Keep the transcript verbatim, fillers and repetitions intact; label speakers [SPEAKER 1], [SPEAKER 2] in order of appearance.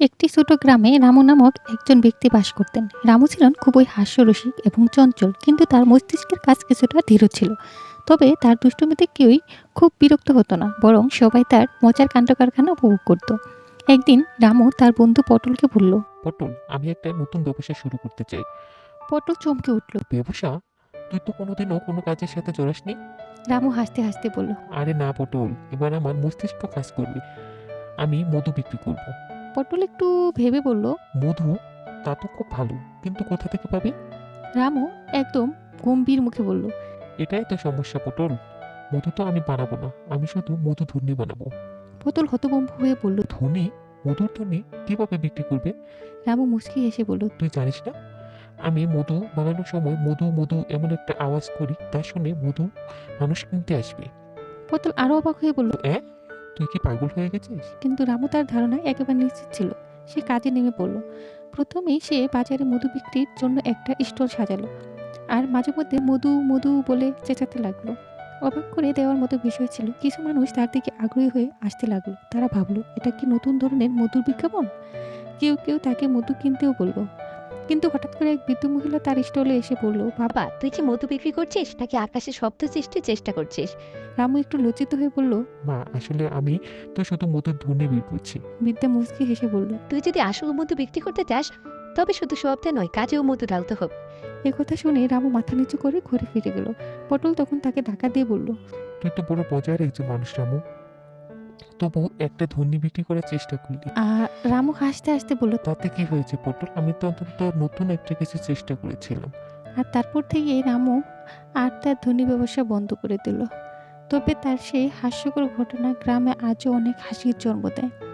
[SPEAKER 1] একটি ছোট গ্রামে রামু নামক একজন ব্যক্তি বাস করতেন। রামু ছিলেন খুবই হাস্যরসিক এবং চঞ্চল, কিন্তু তার মস্তিষ্কের কাজ কিছুটা ধীর ছিল। তবে তার দুষ্টুমিতে কেউই খুব বিরক্ত হতো না, বরং সবাই তার মজার কাণ্ড কারখানা উপভোগ করত। একদিন রামু তার বন্ধু পটলকে বলল।
[SPEAKER 2] পটল, আমি একটা নতুন ব্যবসা শুরু করতে চাই।
[SPEAKER 1] পটল চমকে উঠল।
[SPEAKER 2] ব্যবসা? তুই তো কোনোদিনও কোনো কাজের সাথে জড়াসনি।
[SPEAKER 1] রামু হাসতে হাসতে বলল।
[SPEAKER 2] আরে না পটল, এবার আমার মস্তিষ্ক কাজ করবে। আমি মধু বিক্রি করব।
[SPEAKER 1] পটল একটু ভেবে বলল।
[SPEAKER 2] মধু? তা তো খুব ভালো, কিন্তু কোথা থেকে পাবি?
[SPEAKER 1] রামু একদম গম্ভীর মুখে বলল।
[SPEAKER 2] এটাই তো সমস্যা পটল। মধু তো আমি বানাবো না, আমি শুধু মধু ধুনি বানাবো।
[SPEAKER 1] পটল হতভম্ব হয়ে বলল।
[SPEAKER 2] ধনি? মধুর ধনি কিভাবে বিক্রি করবে?
[SPEAKER 1] রামু মুচকি হেসে বলল।
[SPEAKER 2] তুই জানিস না, আমি মধু বানানোর সময় মধু মধু এমন একটা আওয়াজ করি, তা শুনে মধু মানুষ কিনতে আসবে।
[SPEAKER 1] পটল আরো অবাক হয়ে বলল।
[SPEAKER 2] এ, তুই কি পাগল হয়ে গেছিস?
[SPEAKER 1] কিন্তু রামু তার ধারণায় একেবারে নিশ্চিত ছিল। সে কাজে নেমে পড়ল। প্রথমেই সে বাজারে মধু বিক্রির জন্য একটা স্টল সাজালো, আর মাঝে মধ্যে মধু মধু বলে চেঁচাতে লাগলো। অবাক করে দেওয়ার মতো বিষয় ছিল, কিছু মানুষ তার দিকে আগ্রহী হয়ে আসতে লাগলো। তারা ভাবলো, এটা কি নতুন ধরনের মধুর বিজ্ঞাপন? কেউ কেউ তাকে মধু কিনতেও বলল। কিন্তু হঠাৎ করে এক বৃদ্ধ মহিলা তার স্টলে এসে বলল, বাবা।
[SPEAKER 3] বাবা, তুই কি মধু বিক্রি করছিস নাকি আকাশে শব্দ সৃষ্টির চেষ্টা করছিস?
[SPEAKER 1] রামু একটু লজ্জিত হয়ে বলল।
[SPEAKER 2] মা, আসলে আমি তো শুধু মধুর ধুনি বের করছি।
[SPEAKER 1] বৃদ্ধা মুচকি হেসে বলল।
[SPEAKER 3] তুই যদি আসল মধু বিক্রি করতে চাস, তবে শুধু শব্দে নয়, কাজেও মধু ঢালতে হবে।
[SPEAKER 1] একথা শুনে রামু মাথা নিচু করে ঘুরে ফিরে গেল। পটল তখন তাকে ধাক্কা দিয়ে বলল।
[SPEAKER 2] তুই তো বড় মজার একজন মানুষ রামু, তবু একটা ধুনি বিক্রি করার চেষ্টা করলি।
[SPEAKER 1] আর রামু হাসতে হাসতে বলল।
[SPEAKER 2] তাতে কি হয়েছে পটল? আমি তো অন্তত নতুন একটা কিছু চেষ্টা করেছিলাম।
[SPEAKER 1] আর তারপর থেকে রামু আর তার ধনী ব্যবসা বন্ধ করে দিল। তবে তার সেই হাস্যকর ঘটনা গ্রামে আজও অনেক হাসির জন্ম দেয়।